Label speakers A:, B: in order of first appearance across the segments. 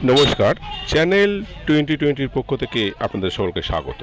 A: নমস্কার, চ্যানেল 2020-র পক্ষ থেকে আপনাদের সকলকে স্বাগত।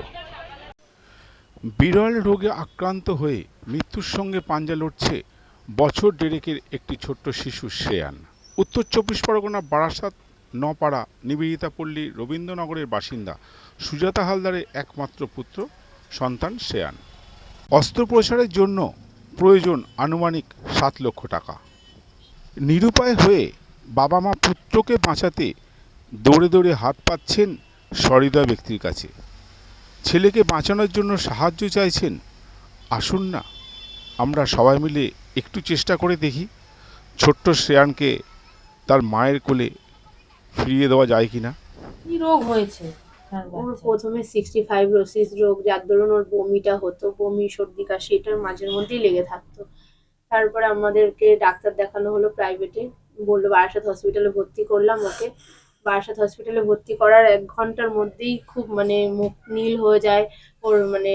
B: বিরল রোগে আক্রান্ত হয়ে মৃত্যুর সঙ্গে পাঞ্জা লড়ছে বছর দেড়েকের একটি ছোট্ট শিশু শ্রেয়ান। উত্তর 24 পরগনা বারাসাত নপাড়া নিবেদিতা পল্লী রবীন্দ্রনগরের বাসিন্দা সুজাতা হালদারের একমাত্র পুত্র সন্তান শ্রেয়ান। অস্ত্রোপচারের জন্য প্রয়োজন আনুমানিক 7 লক্ষ টাকা। নিরুপায় হয়ে বাবা মা পুত্রকে বাঁচাতে দৌড়ে দৌড়ে হাত পাচ্ছেন সহৃদয় ব্যক্তির কাছে। ছেলেকে বাঁচানোর জন্য সাহায্য চাইছেন। আসুন না আমরা সবাই মিলে একটু চেষ্টা করে দেখি ছোট্ট শ্রেয়ানকে তার মায়ের কোলে ফিরিয়ে দেওয়া যায় কিনা।
C: কি রোগ হয়েছে?
D: ওর প্রথমে 65 রোগ, যার দরুন ওর বমিটা হতো, বমি সর্দি কাশি এটার মাঝের মধ্যেই লেগে থাকতো। তারপরে আমাদেরকে ডাক্তার দেখানো হলো প্রাইভেটে, বললো বারাসাত হসপিটালে ভর্তি করলাম ওকে। বারাসাত হসপিটালে ভর্তি করার 1 ঘন্টার মধ্যেই খুব মুখ নীল হয়ে যায় ওর,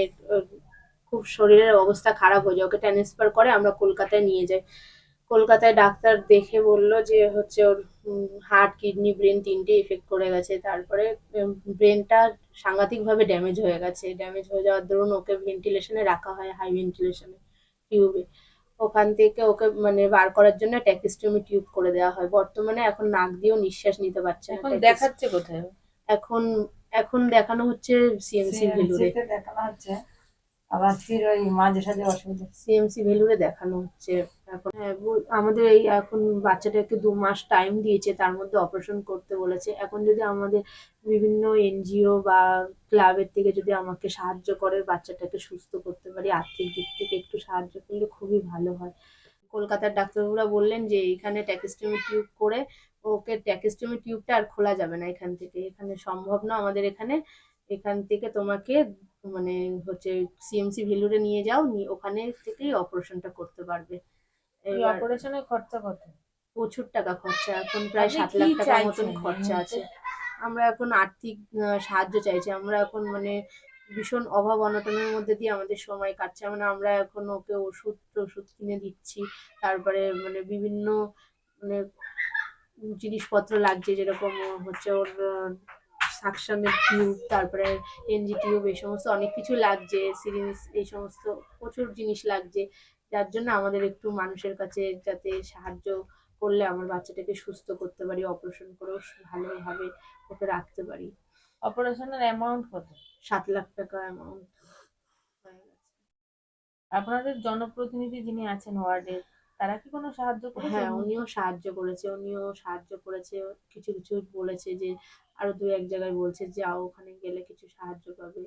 D: খুব শরীরের অবস্থা খারাপ হয়ে যায়। ওকে ট্রান্সফার করে আমরা কলকাতায় নিয়ে যাই। কলকাতায় ডাক্তার দেখে বললো যে হচ্ছে ওর হার্ট, কিডনি, ব্রেন 3টে এফেক্ট করে গেছে। তারপরে ব্রেনটা সাংঘাতিকভাবে ড্যামেজ হয়ে গেছে। ড্যামেজ হয়ে যাওয়ার দরুন ওকে ভেন্টিলেশনে রাখা হয়, হাই ভেন্টিলেশনে টিউবে। ওখান থেকে ওকে বার করার জন্য ট্যাকিস্টমি টিউব করে দেওয়া হয়। বর্তমানে এখন নাক দিয়েও নিঃশ্বাস নিতে পারছে না।
C: এখন দেখাচ্ছে কোথায়?
D: এখন এখন দেখানো হচ্ছে সিএমসি ভেলুরে।
C: দেখানো হচ্ছে, আবার ফির ওই মাঝে সাঝে অসুবিধা।
D: সিএমসি ভেলুরে দেখানো হচ্ছে এখন। আমাদের এই এখন বাচ্চাটাকে 2 মাস টাইম দিয়েছে, তার মধ্যে অপারেশন করতে বলেছে। এখন যদি আমাদের বিভিন্ন এনজিও বা ক্লাবের থেকে যদি আমাকে সাহায্য করে বাচ্চাটাকে সুস্থ করতে পারি, আর্থিক দিক থেকে একটু সাহায্য করলে খুবই ভালো হয়। কলকাতার ডাক্তারবাবুরা বললেন যে এখানে ট্যাকিস্টমি টিউব করে ওকে, ট্যাকিস্টমি টিউবটা আর খোলা যাবে না এখান থেকে, এখানে সম্ভব না আমাদের এখানে। এখান থেকে তোমাকে মানে হচ্ছে সিএমসি ভেলুরে নিয়ে যাও, ওখানে থেকেই অপারেশনটা করতে পারবে।
C: এই
D: এবার
C: অপারেশনের খরচা কত?
D: প্রচুর টাকা খরচা, এখন প্রায়
C: আপনি
D: 7
C: কি
D: লাখ টাকার মতন
C: চাইছেন
D: খরচা
C: এই
D: আছে।
C: মুহূর্তে?
D: আমরা এখন আর্থিক সাহায্য চাইছি। আমরা এখন ভীষণ অভাব অনটনের মধ্যে দিয়ে আমাদের সময় কাটছে। আমরা এখন ওকে ওষুধ কিনে দিচ্ছি। তারপরে বিভিন্ন মানে জিনিসপত্র লাগছে, যেরকম হচ্ছে ওর সাকশনের টিউব, তারপরে এনজি টিউব, এই সমস্ত অনেক কিছু লাগছে, সিরিঞ্জ, এই সমস্ত প্রচুর জিনিস লাগছে। যার জন্য আমাদের একটু মানুষের কাছে যাতে সাহায্য করলে আমার বাচ্চাটাকে সুস্থ করতে পারি, অপারেশন করেও ভালোভাবে ওকে রাখতে পারি।
C: অপারেশনের অ্যামাউন্ট কত?
D: 7 লাখ টাকা অ্যামাউন্ট হয়ে গেছে।
C: আপনাদের জনপ্রতিনিধি যিনি আছেন ওয়ার্ডের, তারা কি কোনো সাহায্য করেছে?
D: হ্যাঁ, উনিও সাহায্য করেছে। কিছু কিছু বলেছে যে আরো 2-1 জায়গায় বলছে যাও, ওখানে গেলে কিছু সাহায্য পাবে।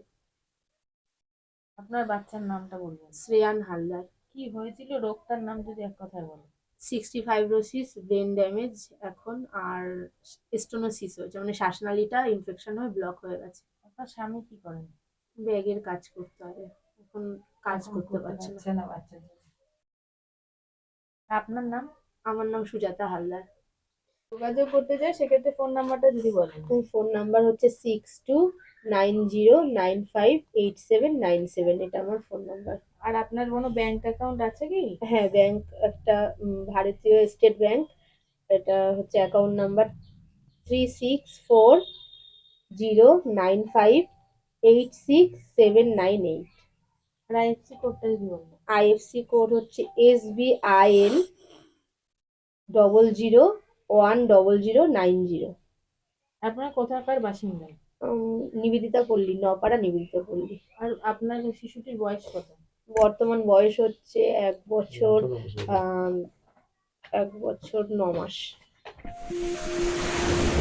C: আপনার বাচ্চার নামটা বলবেন?
D: শ্রেয়ান হালদার।
C: কি হয়েছিল রোগটার নাম যদি এক কথায় বলেন?
D: 65 ব্রেন ড্যামেজ এখন, আর স্টোনোসিস হয়েছে, শ্বাসনালীটা ইনফেকশন হয়ে ব্লক হয়ে গেছে।
C: আপনার স্বামী কি করেন?
D: ব্যাগের কাজ করতে হবে, এখন কাজ
C: এখন
D: করতে পারছে না।
C: বাচ্চার জন্য। আপনার নাম?
D: আমার নাম সুজাতা হালদার।
C: যোগাযোগ করতে চাই সেক্ষেত্রে ফোন নাম্বারটা যদি বলেন।
D: ফোন নাম্বার হচ্ছে 6290958797, এটা আমার ফোন নাম্বার।
C: আর আপনার কোনো ব্যাংক অ্যাকাউন্ট আছে কি?
D: হ্যাঁ, ব্যাংক একটা, ভারতীয় স্টেট ব্যাংক। এটা হচ্ছে অ্যাকাউন্ট নাম্বার 364095867988।
C: আর আইএফসি কোডটা যদি বলেন।
D: আইএফসি কোড হচ্ছে SBIN 001090।
C: আপনার কোথাকার বাসিন্দা?
D: নিবেদিতা পল্লী, নপাড়া নিবেদিতা পল্লী।
C: আর আপনার শিশুটির বয়স কত?
D: বর্তমান বয়স হচ্ছে 1 বছর 1 বছর 9 মাস।